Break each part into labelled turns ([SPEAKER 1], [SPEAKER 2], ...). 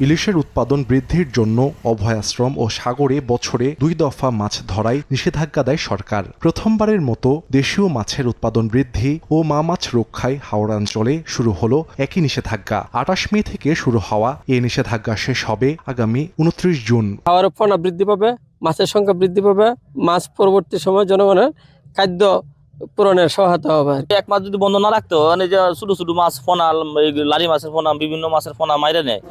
[SPEAKER 1] ইলিশের উৎপাদন বৃদ্ধির জন্য অভয়াশ্রম ও সাগরে বছরে 2 দফা মাছ ধরায় নিষেধাজ্ঞা দেয় সরকার। প্রথমবারের মতো দেশীয় মাছের উৎপাদন বৃদ্ধি ও মাছ রক্ষায় হাওড়াঞ্চলে শুরু হলো একই নিষেধাজ্ঞা। 28 মে থেকে শুরু হওয়া এই নিষেধাজ্ঞা শেষ হবে আগামী 29 জুন।
[SPEAKER 2] খাওয়ার ফনা বৃদ্ধি পাবে, মাছের সংখ্যা বৃদ্ধি পাবে, মাছ পরবর্তী সময় জনগণের খাদ্য পূরণের সহায়তা হবে।
[SPEAKER 3] এক মাছ যদি বন্ধ না রাখতো, মানে যে ছোট ছোট মাছ ফোনা, লারি মাছের ফোনা, বিভিন্ন মাছের ফোনা মাইরে নেয়।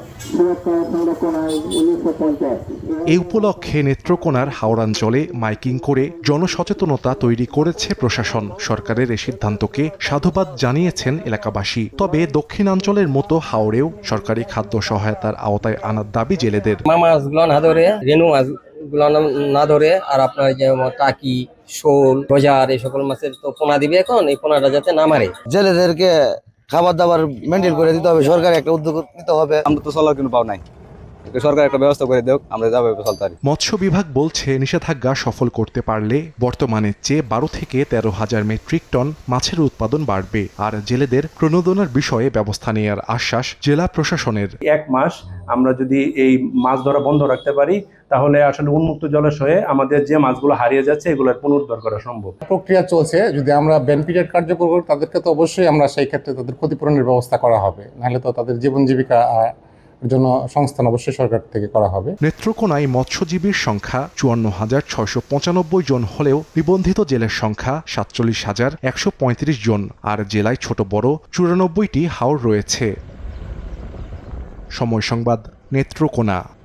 [SPEAKER 1] এই উপলক্ষে নেত্রকোনার হাওড়াঞ্চলে মাইকিং করে জনসচেতনতা তৈরি করেছে প্রশাসন। সরকারের এই সিদ্ধান্তকে সাধুবাদ জানিয়েছেন এলাকাবাসী। তবে দক্ষিণাঞ্চলের মতো হাওড়েও সরকারি খাদ্য সহায়তার আওতায় আনার দাবি জেলেদের।
[SPEAKER 2] মাছগুলো না ধরে, রেনু মাছগুলো না ধরে, আর আপনার যে টাকি, শোল, বাজার এই সকল মাছের তো পোনা দিবে এখন, এই পোনাটা যাতে না মারে।
[SPEAKER 4] জেলেদেরকে খাবার দাবার মেনটেন করে দিতে হবে, সরকার একটা উদ্যোগ নিতে হবে।
[SPEAKER 5] আমরা তো চলার কোনো পাও নাই, সরকার একটা ব্যবস্থা করে দেখ, আমরা যাবো চলতে পারি।
[SPEAKER 1] মৎস্য বিভাগ বলছে নিষেধাজ্ঞা সফল করতে পারলে বর্তমানের চেয়ে 12 থেকে 13,000 মেট্রিক টন মাছের উৎপাদন বাড়বে। আর জেলেদের প্রণোদনার বিষয়ে ব্যবস্থা নেওয়ার আশ্বাস জেলা প্রশাসনের।
[SPEAKER 6] 1 মাস আমরা যদি এই মাছ ধরা বন্ধ রাখতে পারি, তাহলে আসলে উন্মুক্ত জলাশয়ে আমাদের যে মাছগুলো হারিয়ে যাচ্ছে এগুলোর পুনরুদ্ধার করা সম্ভব।
[SPEAKER 7] প্রক্রিয়া চলছে, যদি আমরা ব্যান পিরিয়ড কার্যকর করি তাদেরকে তো অবশ্যই আমরা সেই ক্ষেত্রে তাদের ক্ষতিপূরণের ব্যবস্থা করা হবে, নাহলে তো তাদের জীবন জীবিকা জন্য সংস্থান অবশ্যই সরকার থেকে করা হবে।
[SPEAKER 1] নেত্রকোনায় মৎস্যজীবীর সংখ্যা 54,695 জন হলেও নিবন্ধিত জেলের সংখ্যা 47,135 জন। আর জেলায় ছোট বড় 94টি হাওর রয়েছে। সময় সংবাদ, নেত্রকোনা।